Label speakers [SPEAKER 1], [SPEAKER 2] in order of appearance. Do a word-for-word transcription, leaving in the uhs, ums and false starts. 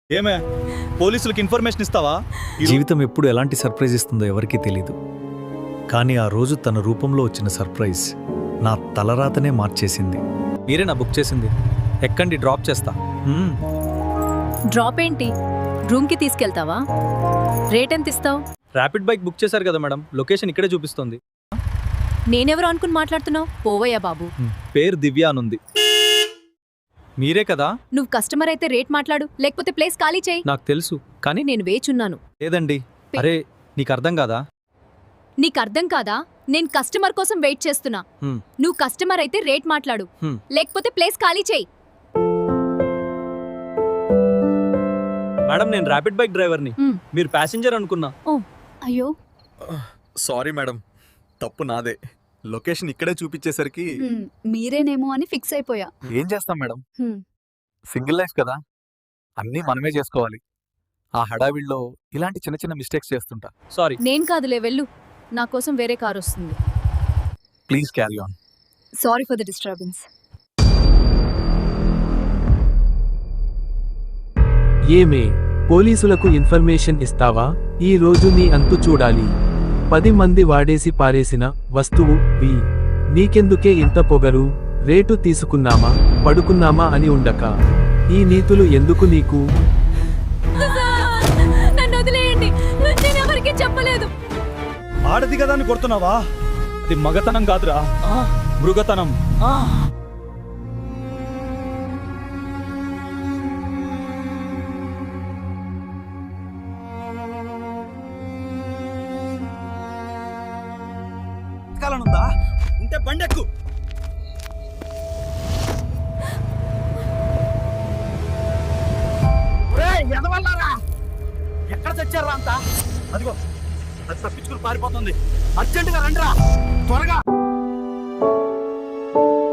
[SPEAKER 1] ఏమే పోలీసులకు ఇన్ఫర్మేషన్ ఇస్తావా?
[SPEAKER 2] జీవితం ఎప్పుడు ఎలాంటి సర్ప్రైజ్ ఇస్తుందో ఎవరికీ తెలీదు. కానీ ఆ రోజు తన రూపంలో వచ్చిన సర్ప్రైజ్ నా తలరాతనే మార్చేసింది. మీరే నా బుక్ చేసింది. ఎక్కండి, డ్రాప్ చేస్తా. మ్మ్.
[SPEAKER 3] డ్రాప్ ఏంటి? రూమ్కి తీసుకెళ్తావా? రేట్ ఎంత ఇస్తావు?
[SPEAKER 2] ర్యాపిడ్ బైక్ బుక్ చేశారు కదా మేడం, లొకేషన్ ఇక్కడే చూపిస్తుంది.
[SPEAKER 3] నేనెవరు అనుకుని మాట్లాడుతున్నావు? పోవయ్యా బాబు.
[SPEAKER 2] మ్మ్. పేరు దివ్య అనుంది. మీరే కదా?
[SPEAKER 3] నువ్వు కస్టమర్ అయితే రేట్ మాట్లాడు, లేకపోతే ప్లేస్ ఖాళీ చేయి.
[SPEAKER 2] నాకు తెలుసు, కానీ
[SPEAKER 3] నేను వేచున్నాను.
[SPEAKER 2] లేదండి. అరే నీకు అర్థం కాదా?
[SPEAKER 3] నీకు అర్థం కాదా? నేను కస్టమర్ కోసం వెయిట్ చేస్తున్నా.
[SPEAKER 2] హ్మ్.
[SPEAKER 3] నువ్వు కస్టమర్ అయితే రేట్ మాట్లాడు,
[SPEAKER 2] హ్మ్.
[SPEAKER 3] లేకపోతే ప్లేస్ ఖాళీ చేయి.
[SPEAKER 2] మేడం నేను ర్యాపిడ్ బైక్ డ్రైవర్ని,
[SPEAKER 3] మ్మ్.
[SPEAKER 2] మీరు ప్యాసింజర్ అనుకున్నా.
[SPEAKER 3] ఓ అయ్యో,
[SPEAKER 1] సారీ మేడం, తప్పు నాదే. లొకేషన్ ఇక్కడే చూపించేసరికి
[SPEAKER 4] హ్మ్, మీరేనేమో అని ఫిక్స్ అయిపోయా.
[SPEAKER 1] ఏం చేస్తాం మేడం,
[SPEAKER 4] హ్మ్.
[SPEAKER 1] సింగిల్ లైఫ్ కదా, అన్నీ మనమే చేసుకోవాలి. ఆ హడావిడిలో ఇలాంటి చిన్న చిన్న మిస్టేక్స్ చేస్తుంటా.
[SPEAKER 2] సారీ.
[SPEAKER 3] నేను కాదులే, వెళ్ళు. నా కోసం వేరే కారు వస్తుంది.
[SPEAKER 1] Please carry on.
[SPEAKER 4] Sorry for the disturbance.
[SPEAKER 5] ఏమే పోలీసులకు ఇన్ఫర్మేషన్ ఇస్తావా? ఈ రోజు నీ అంతు చూడాలి. పది మంది వాడేసి పారేసిన వస్తువు వి నీకెందుకే ఇంత పొగరు? రేటు తీసుకున్నామా పడుకున్నామా అని ఉండక ఈ నీతులు ఎందుకు నీకు?
[SPEAKER 3] నన్ను వదిలేయండి, నేను ఎవరికీ చెప్పలేదు.
[SPEAKER 1] ఆడది కదా అని కొడుతున్నావా?
[SPEAKER 2] అది మగతనం కాదురా, మృగతనం.
[SPEAKER 1] కాలనుందా ఉంటే బండెక్కు. ఎక్కడ తెచ్చారా అంతా? అదిగో అది తప్పించుకుని పారిపోతుంది. అర్జెంటుగా రండిరా, త్వరగా.